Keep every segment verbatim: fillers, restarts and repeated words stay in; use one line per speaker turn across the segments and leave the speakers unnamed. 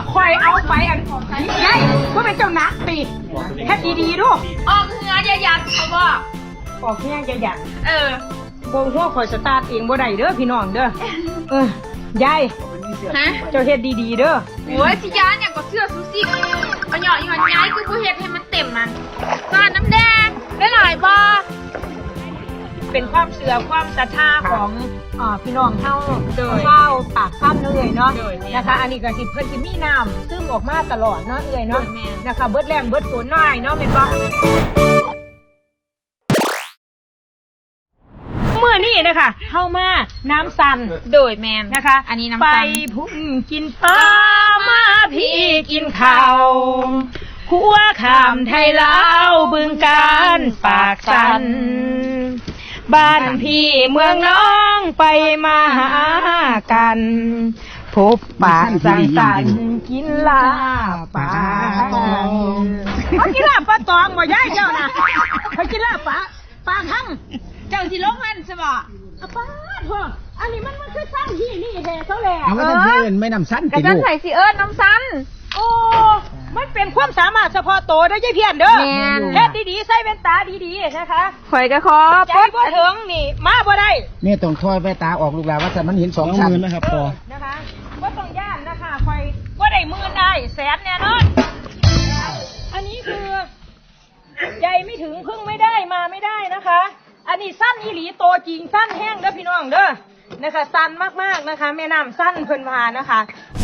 คอยเอาไปอันยายว่าเป็นเจ้านักตีแค่ดีๆดู
ออกเงืออย่ายัดเขาบอก
ออกเงี้ยจะหยัด
เออ
โบงหัวคอยสตาร์ทเองบ่ได้เด้อพี่น้องเด้อเออยาย
ฮะ
เจ้าเฮ็ดดีๆเด้อ
โอ้ยสิยานอย่างก็เสื้อซูซี่เอาเหยาะอีหวันย้ายคือผู้เฮ็ดให้มันเต็มมันซอสน้ำแดงได้หลายบ่
เป็นความเชื่อความศรัทธาของอ่าพี่น้องเฮาเฝ้าปากข้ามเอื่อยเนาะนะคะอันนี้ก็สิเพิ่นสิมีน้ำซึมออกมาตลอดเนาะเอื่อยเนาะนะคะเบิดแรงเบิดฝนน้อยเนาะแม่นบ่เมื่อนี้นะคะเข้ามาน้ำซัน
โดยแมน
นะคะ
อันนี้น้ำ
ไป
ซัน
พุ่งกินปลามาพี่กินข้าวขัวขามไทยลาวบึงการปากสันบ้านพี่เมืองน้องไปมาหากันพบปะสังสรรค์กินลาปลาเขากินลาปลาตองบ่ย่ายเจ้านะเขากินลาปลาปลาหั่ง
เจ้าสิลงมันใช่ป่ะ
ป้าพ่ออันนี้มันมันคือสั้นที่นี่แท้เขาแหละ
เอาว่าท่านเพื่อนไม่นำสั้น
ติดลูกใส่สีเอิญน้ำสั้น
โอ้มันเป็นความสามารถเฉพาะตัวได้ยี่เพียนเด้อเฮ็ดดีๆใส่แว่นตาดีๆนะคะ
ข่อยก็ขอ
ใจบ่ถึงนี่มาบ่ได้
เนี่ยต้องถอยแว่นตาออกลูกหลานว่าแต่มันเห็นสองชั้นนะครับพอ
นะคะบ่ต้องย่านนะคะข่อยบ่ได้หมื่นได้แสนแน่นอนอันนี้คือใจไม่ถึงพึ่งไม่ได้มาไม่ได้นะคะอันนี้สั้นอีหลีโตจริงสั้นแห้งเด้อพี่น้องเด้อนะคะสั้นมากๆนะคะแม่น้ำสั้นเพิ่นพานะคะ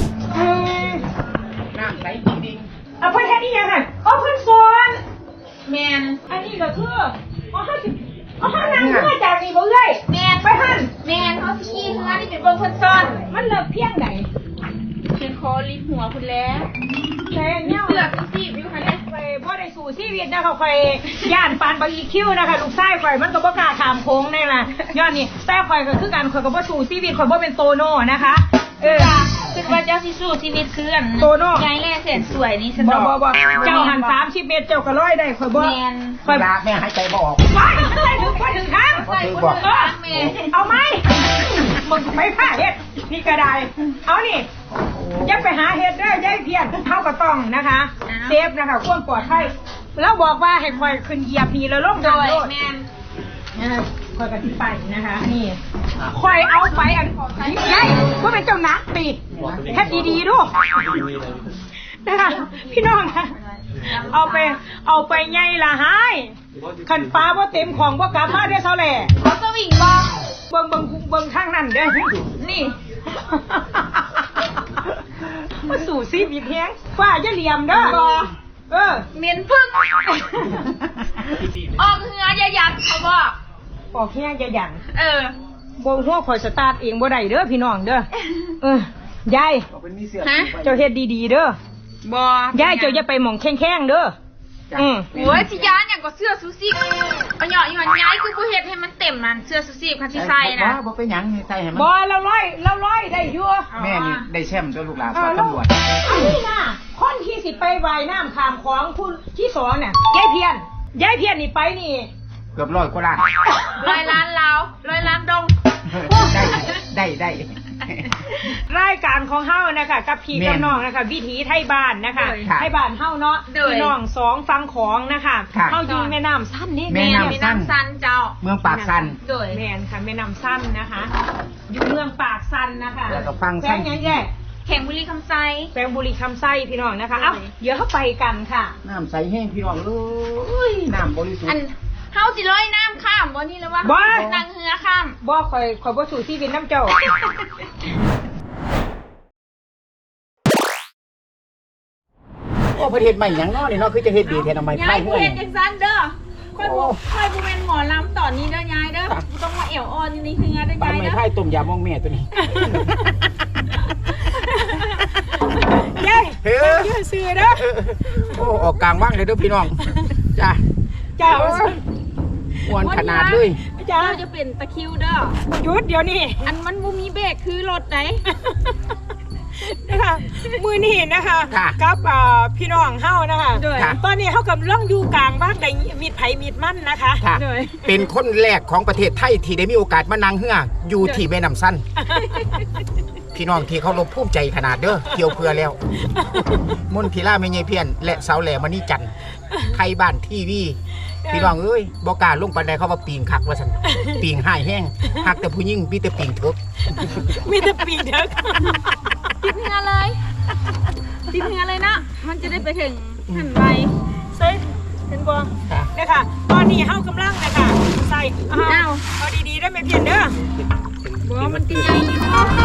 น้ำใสจริง
ๆเอาเพิ่นแค่นี้ยังไงเอาเพิ่นสอน
แมน
อันนี้ก็คือเอาห้าสิบเอาห้านั่งเพื่อจากนี่บ่เลย
แมน
ไปหัน
แมนเขาขี้เนื้อนี่เป็นเบิ่งเพิ่นซ่อน
มันเลิกเพียงไหน
เป็นคอลิหัวคุณแล้ว
แต่เนี่ย
เสือกซีบอยู่ค่ะเนี่ย
ไปพ่อได้สู่ชีวิตนะคะคอยย่านปานบางอีคิวนะคะลูกชายคอยมันก็บ่กล้าถามโค้งแน่ล่ะย้อนนี่แต่คอยก็คือการคอยก็บ่สู่ชีวิตคอยบ่เป็นโตโน่นะคะเออ
คือว่าเจ้าสิสู้ชีวิตคืออัน
โตโน่
ยายแล่เสร็จสวยนี่ฉัน
บ่บ่บ่เจ้าหันสามสิบเมตรเจ้าก็ร้อยได้คอยบ่
คอยลาแม่หายใจบ่ออก
ไปไปถึงไปถึงทางเอาไหมมึงไปผ้าเฮ็ดนี่ก็ได้เอานี่อย่าไปหาเฮ็ดเด้อยายเพียรเท่าก็ต้องนะคะเซฟนะคะความปลอดภัยแล้วบอกว่าให้คอยขึ้นเหยียบนี่แล้วลงดอย
แมน
คอยกันที่ไปนะคะนี่คอยเอาไปอันยายว่าเป็นเจ้านักตีแค่ดีๆดูนะคะพี่น้องนะเอาไปเอาไปไงล่ะหายขันฟ้าว่าเต็มของว่ากลับมาได้เท่าไหร่
เขาสวิงบอ
เบิ่งเบิ่งเบิ่งทางนั้นเด้นี่มาสู่ซีบีเพียงฝ้าจะเหลี่ยมเด้อเออ
เหม็นพึ่งออกเงืออย่ายัดเขาบอก
ออกเงี้ยจะหยัน
เออ
โบงหัวคอยสตาร์ทเองบ่ได้เด้อพี่น้องเด้อเออยาย
ฮะ
เจ้าเฮ็ดดีๆเด้อ
บ่
ยายเจ้าอย่าไปหม่องแข้งๆเด้อ
อืมโอ้ยสิยานอย่างก็เสื้อซูซี่เอาเหยาะอีหวันย้ายคือผู้เฮ็ดให้มันเต็มมันเสื้อซูซี่คันสิใส่นะ
บ่เป็นหยังใส่ให้มัน
บ่เราร้อยเราร้อยได้อยู่
แม่นี่ได้แชมป์ตัวลูกหลานสอนตำรวจ
อันนี้น่ะคนที่สิไปว่ายน้ำข้ามของคุณที่สองเนี่ยยายเพียรยายเพียรนี่ไปนี่
เกือบร้อยกว่าล้าน
ร้อยล้านลาวร้อยล้านดง
ได้ได้ได้
รายการของเฮานะคะกับพี่กับน้องนะคะวิถีไทยบ้านนะคะไทยบ้านเฮาเนาะพี่น้องสองฟังของนะคะเฮาอยู่แม่น้ำสั้นนี่
แม่น้ำ
สั้นเจ้า
เมืองปากสั้น
โดยแม่นค่ะแม่น้ำสั้นนะคะอยู่เมืองปากสั้นนะคะ
แล้วก็ฟังสั้น
แง่
แข่งบุรีคำไซ
แปลงบุรีคำไซพี่น้องนะคะเอ้าเดี๋ยวเข้าไปกันค่ะ
น้ำใสแห้งพี่น้องเลยน้ำบริสุทธิ์
เฮาสิร้อยน้ำข้ามบ่นี่แล้ววะ
บ่
นางเหือข้าม
บ่คอยคอยบ่สู่ชีวิตน้ำเจ้า
โอ้ประเทศใหม่ยังเนาะนี่เนาะคือจะเฮ็ดดีแท้ทำไม
ยายผู้เฮ็ดจังซั่นเด้อค่อยบ่ค่อยบ่แม่นหมอลำตอนนี้เด้อยายเด้อต้องมาเอวอ่อนนี่เหือเด้อยายเด้อ
ปานไม้ไผ่ต้มยำมองแม่ตัวนี้
ยายเฮ้ยซื้อเด้อ
โอ้ออกกลางว่างเลยเด้อพี่น้องจ้า
จ้า
อ้วนขนาดเลย
จ้าจะเป็นตะคิวเด้อ
หยุดเดี๋ยวนี้
อันมันบ่มีเบรกคือรถไหน
นะคะมือนี่นะคะกับพี่น้องเฮานะคะตอนนี้เฮากำลังอยู่กลางบ้านใดมีดไผ่มีดมั่นนะคะ
เป็นคนแรกของประเทศไทยที่ได้มีโอกาสมานั่งเหืออยู่ที่แม่น้ำสั้นพี่น้องที่เขารบภูมิใจขนาดเด้อเกี่ยวเพื่อแล้วมนทิล่าไม่ใช่เพี้ยนและสาวแหลมมณีจันทร์ไทยบ้านทีวีพี่น้องเอ้ยบ่กล้าลงปานใดเขาว่าปีงคักว่าซั่นปีงหายแห้งหักแต่ผู้หญิงมีแต่ปีงเถก
มีแต่ปีเด้อ
ติดเหงือเลยติดเหงือเลยนะมันจะได้ไปถึงหันไป
ใส่เห็นบ่เนี่ยค่ะตอนนี้เฮากำลังนะคะใส่เอาเอาดีๆได้ไหมเพียนเด้อ
บอกว่ามันกินใหญ่อยู่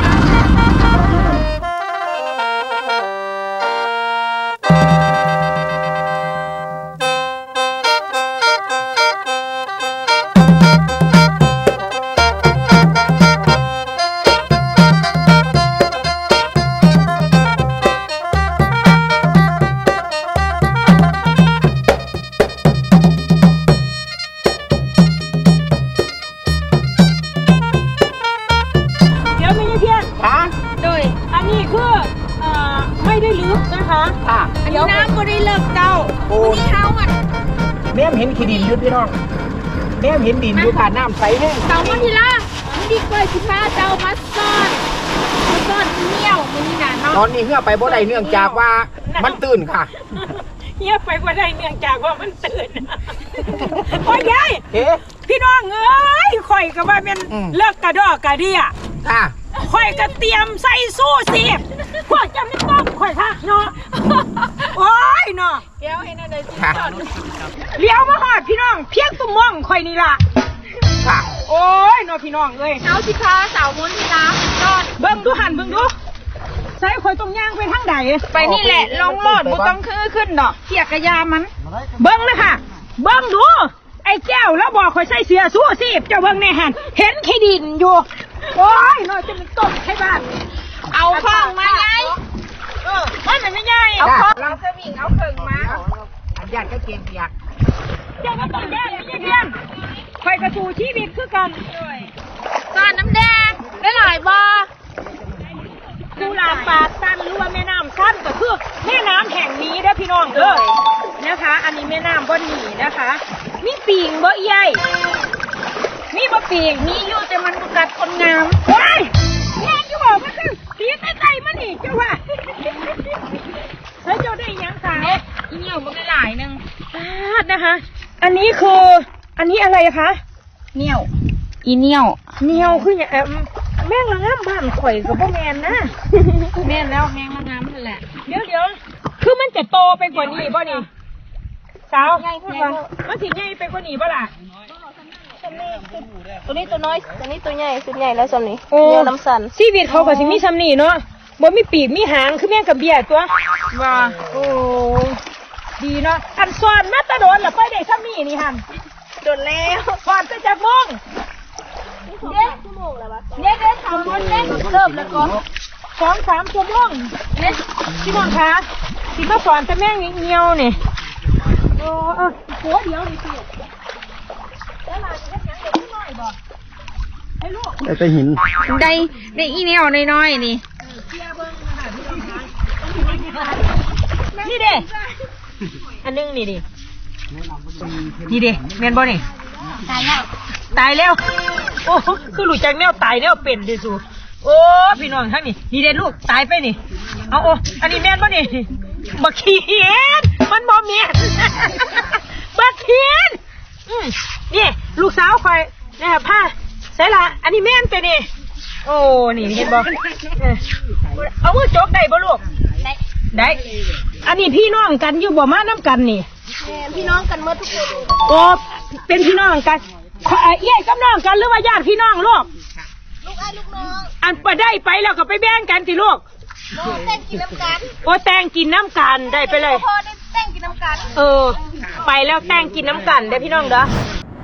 เดี๋ยวไม่ใช่เพียน
ค่ะ
โดย
อันนี้คือเอ่อไม่ได้ลึกนะคะ
ค่ะ
อันนี้น้ำก็ได้เลิกเจ้า
โอ้
วันนี้เท้าอ่ะ
แม่มเห็นขี้ดินอยู่พี่น้องแม่มเห็นดินอยู่ผ่านน้ำใสแห้ง
เสาวันที่ละมันดีกว่าสิพาเจ้ามาซ่อนมาซ่อนเหนียวมันนี่นะเนาะ
ตอนนี้เหือไปบ่ได้เนื่องจากว่ามันตื่นค่ะ
เงียบไปบ่ได้เนื่องจากว่ามันตื่น โอ้ยยาย
เอ๊ะ
พี่น้องเอ้ยข่อยก็ว่าเป็น
อืม
เลิกกระดอกกระเดีย
ค่ะ
ข่อยก็เตรียมใส่สู้สิพวกจำไม่ต้องข่อยค่ะเนาะ โอ้ยเนาะ
เดี๋ยวให้นั่นเลยสิ
ค่ะ
ซ่อน
เลี้ยวมาหอดพี่น้อง เพียงตุ้มมองข่อยนี่ล่ะ
ค่ะ
โอ้ยเนาะพี่น้องเอ้ย
เท้าสิพาสาวมุนที่ละซ่อน
เบิ่งดูหันเบิ่งดูใส่ข่อยตรงย่างไปทางใด
ไปนี่แหละลงโลดบุต้องคือขึ้นดอกเสียกระยามัน
เบิ่งเลยค่ะ เบิ่งดู ไอ้แก้วแล้วบอกข่อยใส่เสื้อสู้สิเจ้าเบิ่งแน่หันเห็นขี้ดินอยู่ โอ้ยเนาะจะเป็นต้นให้บ้าน
เอาข้องมาไง
เออมันไม่ไม่ง่าย
เอา
เอา
ข้องเอาสวิงเอาเข่งมา
อันญาติก็เกมเปียก
เจ้าก็ต้องแย่ไม่ใช่เพี้ยนข่อยกระสูชีวิตคือกัน
ซ่อนน้ำแดงได้หลายบ่อ
กุหลาบปากสั้นหรือว่าแม่น้ำสั้นก็คือแม่น้ำแห่งนี้เด้อพี่น้องเด้อนะคะ อันนี้แม่น้ำบ่หนีนะคะ มีปีงบ่ใหญ่มีบ่ปีง
มีอยู่แต่มันบ่กัดคนงาม
ว้ายแม่จะบอกมันคือสีใกล้ๆมันนี่เจ้าว่าเฮ้ยเจ้าได้หยังสาว
เนี่ยอีเหนียวมันได้หลายหนึง
พลาดนะคะ อันนี้คืออันนี้อะไรคะ
เหนียวอีเหนียว
เหนียวคืออย่างเอิ่มแม่งละง่ำบ้านข่อยกับพ่อแมนนะ
แม่นแล้วแมงละงามนั่นแหละ
เดี๋ยวเดี๋ยวคือมันจะโตไปกว่านี้ป่ะนี่สาว
ใหญ่ขึ้นกว่า
มันสิใหญ่ไปกว่านี้ป่ะล่ะ
ตัวนี้ตัวน้อย ตัวนี้ตัวใหญ่สุดใหญ่แล้วสำนี้
โอ้
เนื้อน้ำสัน
ชีวิตเขาก็สิมีซ้ำนี่เนาะบ่มีปีกมีหางคือแม่งกับเบี้ยตัว
ว่า
โอ้ดีเนาะอันสอนมาตะโดนละไปได้ซ้ำนี่นี่หัน
โดนแล้ว
สอนจะจับมอง
เด็กชั่วโมงแล้ววะ
เด็กเด็กทำบุญเด็กเริ่มแล้วก่อนสองสามชั่วโมงเนี่ยพี่น้องคะที่มาสอนแต่แม่งเงี้ยวๆนี่โอ้เออหัวเดียวนี่สิแล้วหลานเฮ็ดหยังเด็กน้อยบ่ให้ลูก
แต่หิน
ได้ได้อีเหนียวน้อยๆนี่
นี่เด้อันนึงนี่ดินี่เด้แม่นบ่นี่
ตายแล้ว
ตายแล้ว โอ้คือรู้จักแนวตายแนวเป็นดิสูโอ้พี่น้องทั้งนี่นี่เด้ลูกตายไปนี่เอาโอ้อันนี้แม่นบ่นี่บักเขียนมันบ่แม่น บักเขียนอืมนี่ลูกสาวคอยนะครับผ้าใส่ละอันนี้แม่นไปนี่โอ้นี่เห็นบ่เออเอามือจกได้บ่ลูก
ได้
ได้ อันนี้พี่น้องกันอยู่บ่มาน้ำกันนี่
แม่พี่น้องกันเมื่อทุกคน
โอ้เป็นพี่น้องกันขอเอ่อเอี้ยกับน้องกันหรือว่าญาติพี่น้องลูก
ลูกไอ้ลูกน้อง
อันไปได้ไปแล้วก็ไปแบ่งกันสิลูก
โม่เต้นกินน้ำกัน
โอ้แต่งกินน้ำกันได้ไปเลย
พ่อได้เต้นกินน้ำกัน
เออ ไปแล้วแต่งกินน้ำกันได้อพี่น้องเด้อ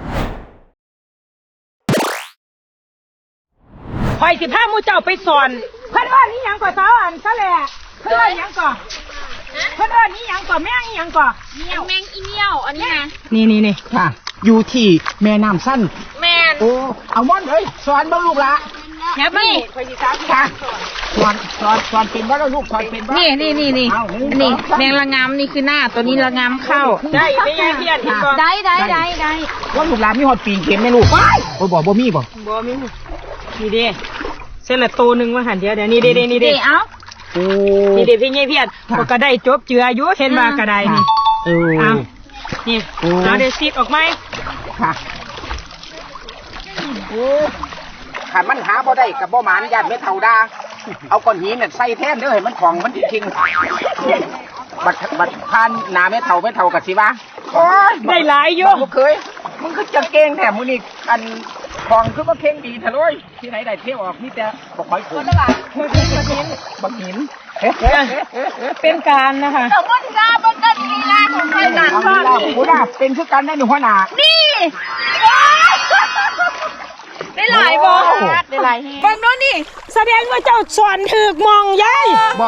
คอยสิพาหมูเจ้าไปสอนเพื่อนว่านี่ยังก่อสาวอันซะแหละเพื่อนว่ายังก่อเพื่อนว่านี่ยังก่อแม่งนี่ยังก่อ
เหนียวแมงอีเหนียวอันนี้นะ
นี่นี่นี่
ค่ะ อยู่ที่แม่น้ำสั้น
แม่น
โอ้เอาม่อนเลยสอนบ้างลูกละ
ยับนี่
ค่ะสอนสอนสอนเป็นบ้างลูกสอนเป็นบ้าง
นี่นี่นี่นี่
เอาหนึ่ง
อันนี้
สองสาม
แมงละงามนี่คือหน้าตัวนี้ละงามเข้า
ได้ไม่ยังเพี้ยนเห็นบ่
ได้ได้ได้ได้
ว่าลูกหลานมีหอดปีนเข็มไหมลูกโอ้ยบอกบ่มีบ่
บ่มีนี่เด้เส้นละตัวหนึ่งว่าหันเดียวเดี๋ยวนี่เด้เด้นี่เด้
เอ้า
โอ้
นี่เด้พี่เงี้ยเพียรก็ได้จบเจืออยู่เห็นว่ากระไดนี่
เออ
เอานี่
โอ้
เอาเดี๋ยวซีดออกไหม
ค่ะโอ้ขันมันหาบ่ได้กับบ่หมานญาติเม็ดเท่าดาเอาก้อนหินน่ะใส่แทนเด้อให้มันของมันจริงบัดบัดพานหนาเม็ดเท่าเม็ดเท่ากับสิวะโอ้ย
ได้หลายอยู่
บ่เคยมึงคือจะเก่งแถมมึงนี่อันของคือว่าเก่งดีเถอะเลยที่ไหนได้เที่ยวออกนี่แต่บ่ค่อยคุ้นบักหิน
เป็นการนะคะ
สมมติว่าบนต้นลีลาของใครหนัก
เอา
บ้าง
ล่ะกูน่ะเป็นคือกันได้หนูหัวหน้า
นี่ได้หลายบอได้หลายแฮง
เบิ่งโน่นนี่แสดงว่าเจ้าสอนถึกมองยาย
บ่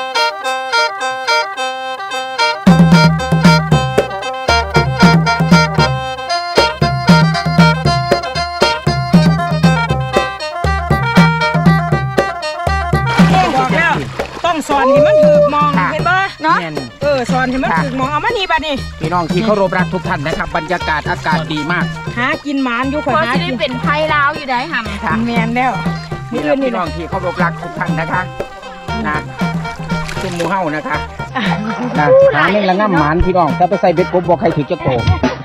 บอกแล้วต้องสอนให้มันถึกมองเห็นปะเนาะ
แม่น
เออสอนให้มันถึกมองเอามานี่บัดนี้
พี่น้องที่เคารพรักทุกท่านนะครับบรรยากาศอากาศดีมาก
หากินหมานอยู่ข่อย
พอ
หา
สิ
กิ
ได้
น
เป็นไพ่ลาวอยู่ได้ห่ำ
ค่ะ
แมนแล้วมี
นี่แห
อื่
ละ
นนี่
พี่น้องที่เคารพรักทุกท่านนะคะนะซุ่มหมูเฮานะคะนะหาเม่งละง่ำหมานพี่น้องถ้าไปใส่เบ็ดกบบอกใครถือจะโต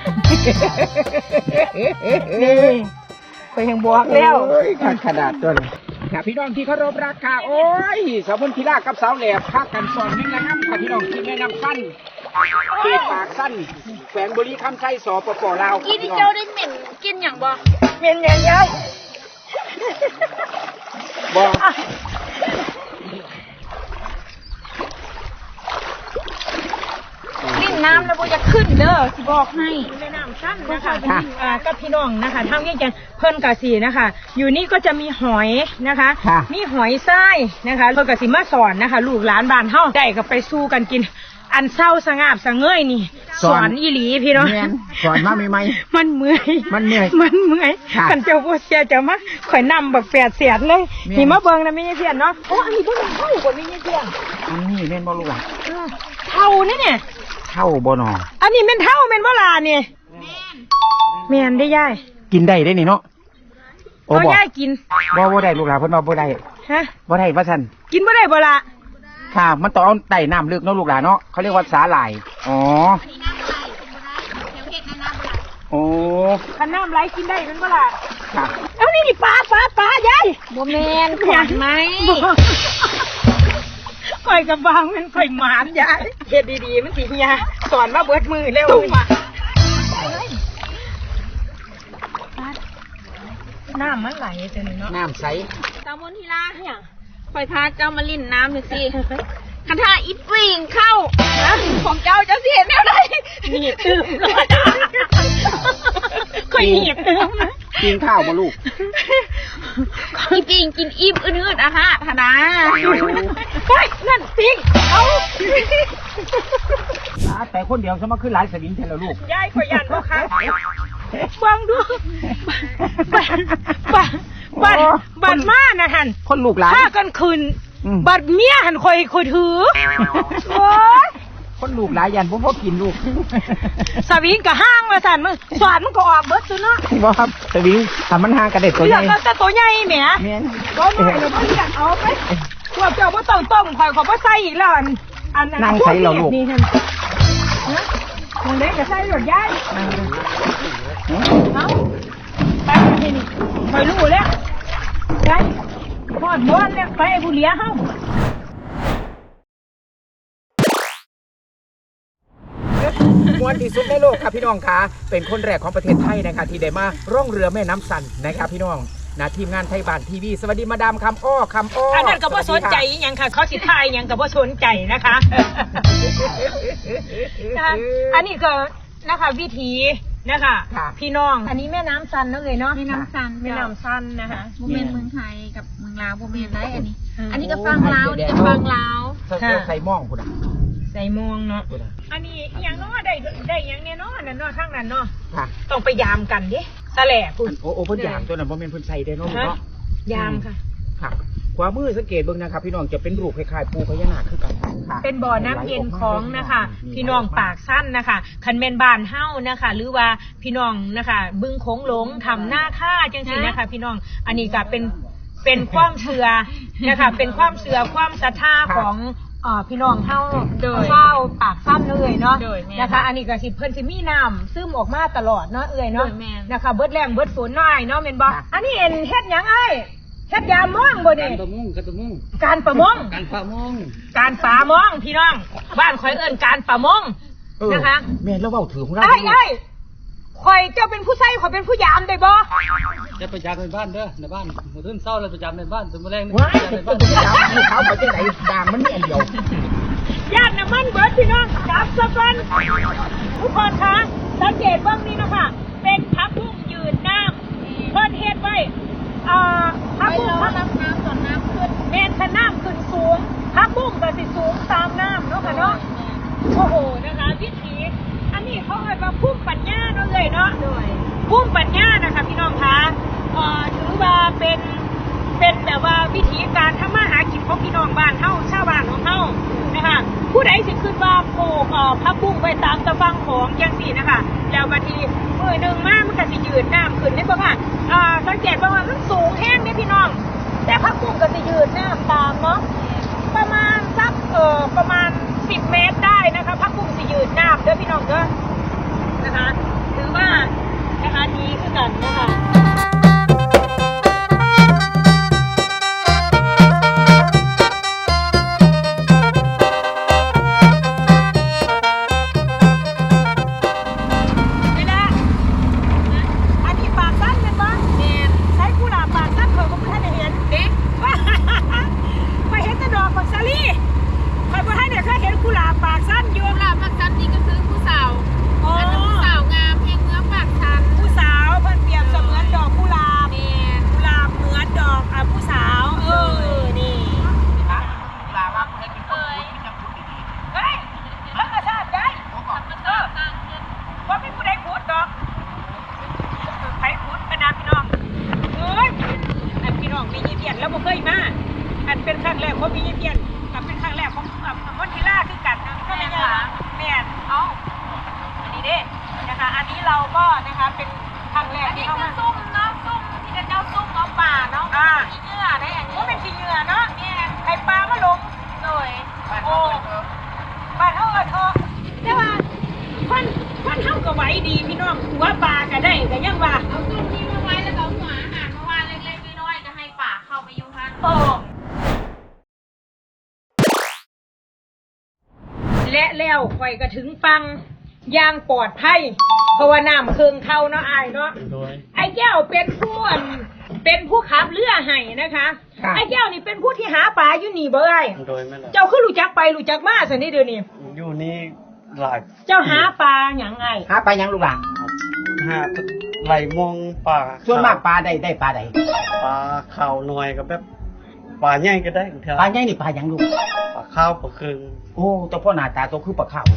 นี่ข่อยยังบอกแล้ว
โอ้ยขาดขนาดตัวเลยค่ะพี่น้องที่เคารพรักค่ะโอ้ยสาวมนทิรากับสาวแหลบพักกันสอนเม่งละง่ำค่ะพี่น้องที่แนะนำสั้นเขตปากสั้นแขวงบุรีคำไส้สปปลาว
กินที่เจ้าได้เหม็นกินอย่างบ่
เมนยังยาย
บอก
ลิ้นน้ำแล้วบ่จะขึ้นเด้อสิบอกให้
แม่น้ำสั้นนะคะอ่ากับพี่น้องนะคะทำยังไงเพิ่นกะสีนะคะ อยู่นี่ก็จะมีหอยนะคะ มีหอยทรายนะคะเพิ่นกะสีมาสอนนะคะ ลูกหลานบ้านเฮาได้ก็ไปสู้กันกิน อันเศร้าสงาบสะเงยนี่ สอนอีหลีพี่น้อง
แม่นสอนมาใหม่
มันเมื่อย
มันเมื่อย
มันเมื่อย
ค่ะ
กันเจ้าบ่เสียเจ้ามาข่อยนำบักแปดเสียดเลย
แม่น
นี่มาเบิ่งนะแม่ยายเพียนเนาะโอ้อันนี้บ่แม่นเท่าบ่แม่ยายเพียน
ๆอันนี้แม่นบ่ลูกอ่ะ
เออเท่านี่เนี่ย
เท่าบ่หนอ
อันนี้แม่นเท่าแม่นบ่ล่ะนี่แม่นได้ยาย
กินได้ได้นี่เนาะโอ้
เอา
บ่
ยายกิน
บ่บ่ได้ลูกหลานเพิ่นว่าบ่ได้
ฮะ
บ่ได้ว่าซั่น
กินบ่ได้บ่ล่ะ
ค่ะ มันต้องเอาไต่น้ำลึกเนาะลูกหลานเนาะเขาเรียกว่าสาหร่ายอ๋อโอ้
คันน้ำไหลกินได้แม่นบ่ล่ะ
ค่ะ
เอานี่นี่ปลาปลาปลายาย
บ่แม่นขวัญไหม
ข่อยกับบางมันข่อยหมานยายเฮ็ดดีๆมันสิเฮียสอนมาเบิดมือเร็วน้ำมันไหลจังเนาะ
น้ำใส
ตามนทีลาเนี่ยคอยพาเจ้ามาลิ้นน้ำหน่อยสิคันท่าอีปิงเข้าของเจ้าเจ้าเสียแนวใด
หนีบตึมเลยข่อยหนีบตึมนะ
กินข้าวบ่ลูก
อีปิงกินอิ่มอืดๆอะฮะธนา
เฮ้ยนั่นปิงเอา
แต่คนเดียวสมาขึ้นหลายสวิงแทนแล้วลูก
ยายข่อยยันบ่ครับฟังดูบัดบัดบัดบัดมานะฮัน
คนลูกหลาน
ถ้ากันคืน
อืม
บัดเมียหันคอยคอยถือโอ้ย
คนลูกหลายยันผมพอกินลูก
สวิงกับห้างมาสั่นมึงสวดมันก็ออกเบิดตัวเนาะ
บ่ครับสวิงถ้ามันห่างกันได้ตัว
เลื
ให
อก
ญ่
เอาแต่ตัวใหญ่แหม
แม่น
ก็น้อยเดี๋ยวพ่ออยากเอาไปพวกเจ้าพ่ต้องต้มคอยขอพ่ใส่อีกแล้วอันอัน
นั่งใส่เราลูก
นี่ท่านนะมึงเล็กก็ใส่หลดยายเอาไปที่นี่คอยรู้แล้วยายพอดบ้านแล้วไปไอ้ผู้เลี้ยเฮา
มวนที่สุดในโลกครับพี่น้องคะเป็นคนแรกของประเทศไทยนะคะที่ได้มาร่องเรือแม่น้ำสันนะครับพี่น้องนะทีมงานไทยบ้านทีวีสวัสดีมาดามคำอ้อคำอ้อ
อั
อั
นนั้นก็บ่สนใจอหยังค่ะเขาสิทายอหยังก็บ่สนใจนะคะนะคะอันนี้ก็นะคะวิธีนะคะ
ค่ะ
พี่น้องอันนี้แม่น้ำซันเนาะเลยเนาะ
แม่น้ำซัน
แม่น้ำซันนะคะ
บ่แม่นเมืองไทยกับเมืองลาวบ่แม่นได้อันนี้
อืม
อันนี้ก็ฟังลาวอันนี้ก็ฟังลาว
ใส่ใส่หม่องพุ่นอ่ะ
ใส่มวงเนาะ
พุ่นอ่ะ
อันนี้อหยังเนาะได้ได้อหยังแน่เนาะนั่นเนาะข้างนั้นเนาะ
ค่ะ
ต้องไปยามกันดิตะแหล่พุ่น
โอ้โอ้เพิ่นยามตัวนั้นบ่แม่นเพิ่นใส่ได้เนาะลูก
ฮะ
เนาะ
ยามค่ะ
ค่ะขวามือสังเกตเบิ่งนะครับพี่น้องจะเป็นรูปคล้ายๆปูพญานาคคือกันค่ะ
เป็นบ่อน้ำเย็นของนะคะ พี่น้องปากสั้นนะคะคันเมนบานเฮ้านะคะ หรือว่าพี่น้องนะคะ บึงโขงหลงทำหน้าค่าจังสินะคะ พี่น้องอันนี้ก็เป็นเป็นความเชื่อนะคะเป็นความเชื่อความศรัทธาของเอ่อพี่น้องเฮาชาวปากซ้ำเอ่ยเนาะนะคะอันนี้ก็สิเพิ่นสิมีน้ำซึมออกมาตลอดเนาะเอ่ยเนาะนะคะเบิดแรงเบิดฝนน้อยเนาะแม่นบ่อันนี้เอ็นเฮ็ดหยังไอ้เฮ็ดยามม่วงบ่นี่
การประมงการประมง
การประมง
การประมง
การป่ามองพี่น้องบ้านข่อยเอิ้นการป่ามงนะคะ
แม่นแล้วเว้าถือของเรา
ไอ้ไอ้ข่อยเจ้าเป็นผู้ใส่ข่อยเป็นผู้ยามได้บ่
จะประจำในบ้านเด้อในบ้านมื้อตื่นเช้าเราประจำในบ้านถึงมื้อแรงนี่
ว้าย
ประจำใน
ต้
บ้าน
องไปจับให้เขาไปจังไหนด่างมันมีอันเดียว
ญาติน้ำมันเบิดพี่น้องจับซะก่อนทุกคนคะสังเกตเบ้างนี้นะคะเป็นพักบุ้งยืนน้ำเพิ่นเฮ็ดไว้เอ่อพักบุ้งพัก
น้ำน้ำส่วนน้ำขึ้น
แม่นถ้าน้ำขึ้นสูงพักบุ้งก็สิสูงตามน้ำเนาะค่ะเนาะโอ้โหนะคะวิถีอันนี้เขาเรียกว่าพุ่มปัญญาเนาะเลยเนาะพุ่มปัญญานะคะพี่น้องคะเอ่อถือว่าเป็นเป็นแบบว่าวิธีการทำมาหากินของพี่น้องบ้านเฮาชาวบ้านของเฮานะคะผู้ใดสิขึ้นว่าปลูกเอ่อพักบุ้งไว้ตามตะฟังของจังซี่นะคะแล้วบางทีมือหนึ่งมามันก็สิยืนน้ำขึ้นได้บ่ค่ะอ่าสังเกตว่ามันสูงแห้งเนี่ยพี่น้องแต่พักบุ้งก็จะยืนน้ำตามเนาะประมาณสักเอ่อประมาณสิบเมตรได้นะคะพักบุ้งจะยืนน้ำเด้อพี่น้องเด้อนะคะถือว่านะคะดีขึ้นกันนะคะแล้วบ่เคยมาอันเป็นครั้งแรกของพี่เพียนกับเป็นครั้งแรกของมอนทิล่าคือกันนะก็ไม่ใช่แม่นเอ้าอันนี้เด้นะคะอันนี้เราก็นะคะเป็นครั้งแรกที่เข้ามาซุ่มเนาะซุ่มที่จะเจ้าซุ่มเอาป่าเนาะอ่าขี้เหงื่อได้อันนี้ก็เป็นขี้เหงื่อเนาะแม่นไข่ปลามาลงเลยโอ้บ้านเฮาเอิ้นเถอะแต่ว่าคนคนเฮาก็ไหวดีพี่น้องหัวปลาก็ได้ก็ยังว่า
เอาซุ่มนี้มาไว้แล้วก็เอาหัวอาหารมาวางเล็กๆน้อยๆก็ให้ป่าเข้าไปอยู่ฮั่น
โอ้และแล้วข่อยก็ถึงฟังอย่างปลอดภัยเพราะว่าน้ำเคืองเข้าเนาะอายเนาะ
โดย
ไอ้แก้วเป็นผู้อั่นเป็นผู้ขับเรือให้นะคะไอ้แก้วนี่เป็นผู้ที่หาปลาอยู่นี่เบ้ย
โดยแม่ล่ะ
เจ้าคือรู้จักไปรู้จักมาสินี่เดี๋ยวนี้
อยู่นี่หลาย
เจ้าหาปลาอย่างไง
หาไปยังลูกหลาน
หาไหลมองป่า
ส่วนมากปลาได้ได้ปลาใด
ปลาขาวหน่อยก็แบบปลาใหญ่ก็ได้เถ
ปลา
อะ
ใหญ่นี่ปลาหยังลูก
ปลาข้าวปลาครึ่ง
โอ้แต่พ่อหน้าตาโตคือปลาข้าว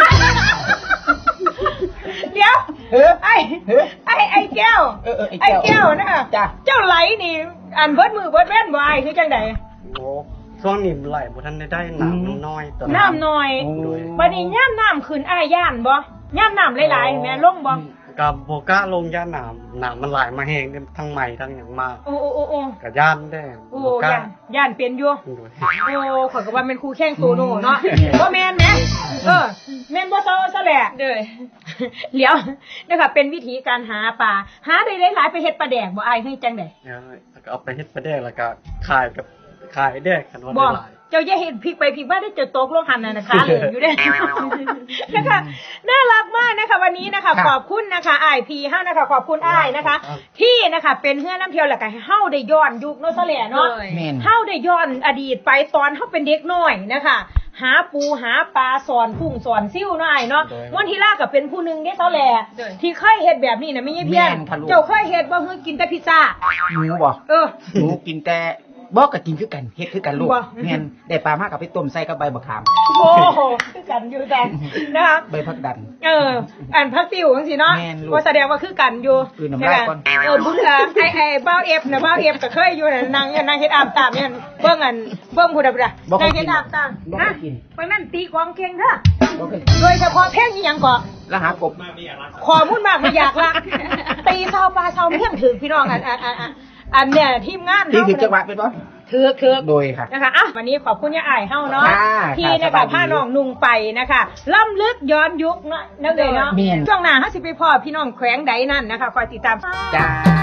เดี๋ยว
เฮ้ย
ไอ้
เฮ้ย
ไอ้ไอ้แก้ว
เออเออไอ้
ไอ้
แก้
แก้
ว
วนะคะ
จ้ะ
เจ้าไหลนี่อันเบิดมือเบิดแว่นบ่ไอ้คือจังได
โอ้ช่วงนี้มันไหลบ่ทันได้ได้น้ำมันน้อยตอน
น้ำหน่อย
โอ้
บัดนี้ย่ำน้ำขึ้นอ้ายย่านบ่ย่ำน้ำหลายๆแม่ลงบ่
กับโบก้าลงย่านน้ำน้ำมันไหลมาแห้งทั้งใหม่ทั้งอย่างมา
โอ้โอ้โอ้โอ้
กับย่านได้
โอ้
โบก้า
ย่านย่านเป็นอยู่
โดย
โอ้ข่อยก็ว่าเป็นครูแข่งโตโน่เนาะบ่แม่นแหมเออแม่นบ่เซาซะแหละเด้อเดี๋ยวนะคะเป็นวิธีการหาปลาหาได้หลายๆไปเฮ็ดปลาแดกบ่อ้ายเฮ้ยจังได๋
เดี๋ยวเอาไปเฮ็ดปลาแดกแล้วก็ขายกับขายแดกกันว่า
บ่
ได้หลาย
เจ้าอย่าเห็นพลิกไปพลิกมาได้เจอตกลงหันน่ะนะคะเหลืออยู่เด้ นะคะน่ารักมากนะคะวันนี้นะคะขอบคุณนะคะอ้ายพีเฮานะคะขอบคุณอ้ายนะคะ ที่นะคะเป็นเฮือน้ำเที่ยวแล้วก็ให้เฮาได้ย้อนยุคเนาะซะแหละเนาะ
แม่น
เฮาได้ย้อนอดีตไปตอนเฮาเป็นเด็กน้อยนะคะ หาปูหาปลาสอนกุ้งสอนซิ่วน้อยเนาะวันที่ล่าก็เป็นผู้หนึงเด้ซะแหละที่เคยเฮ็ดแบบนี้น่ะไม่ใช่เพี้ยน
แม่นค่ะลูก
เจ้าเคยเฮ็ดบ่คือกินแต่พิซซ่า
หนูบ่
เออ
หนูกินแต่บอกก็กินคือกันเฮ็ดคือกันลูก
บ่
แม่นได้ปลามากกับไปต้มใส่กับใบมะขาม
โอ้โหคือกันอยู่แต่นะคะ
ใบผักดัน
เอออันพักติวจังซี่เนาะ
แม่นลูก
ว่าแสดงว่าคือกันอยู่
คือน้ำลายก่อน
เออบุญละไอ้ไอ้เบ้าเอฟน่ะเบ้าเอฟก็เคยอยู่น่ะนางนางเฮ็ดอาบตามเนี่ยเบิ่งอันเบิ่งผู้ใดผู้ใด
บ่เค
นาง
ยกิ
เฮ็
น
ดอาบตาม
บ่เค
นะ
ยกิน
ไปนั่นตีกลองเก่งเด้อ
บ่เคย
โดยเฉพาะเพลงอีหยังก็
แล้วหากบ
ขอมุ่นมากไม่อยากละตีเศร้าปลาเศร้าเมี่ยงถึงพี่น้องอันอันอันอันอันเนี่ยทีมงาน
ที่
เฮา
ถึงจังหวะเป็นบ่
ถือถือ
โดยค่ะ
นะคะอ่ะวันนี้ขอบคุณย่าอ้ายเฮาเนาะ
ค่ะ
ที่
ค่ะ
นะ
สบา
คะ
ยดี
พาน้องนุ่งไปนะคะล้ำลึกย้อนยุคเนาะนั่นเลยเนาะ
แม่น
ช่วงหน้าเฮาสิไปพ่อพี่น้องแขวงใดนั่นนะคะคอยติดตาม
จ้า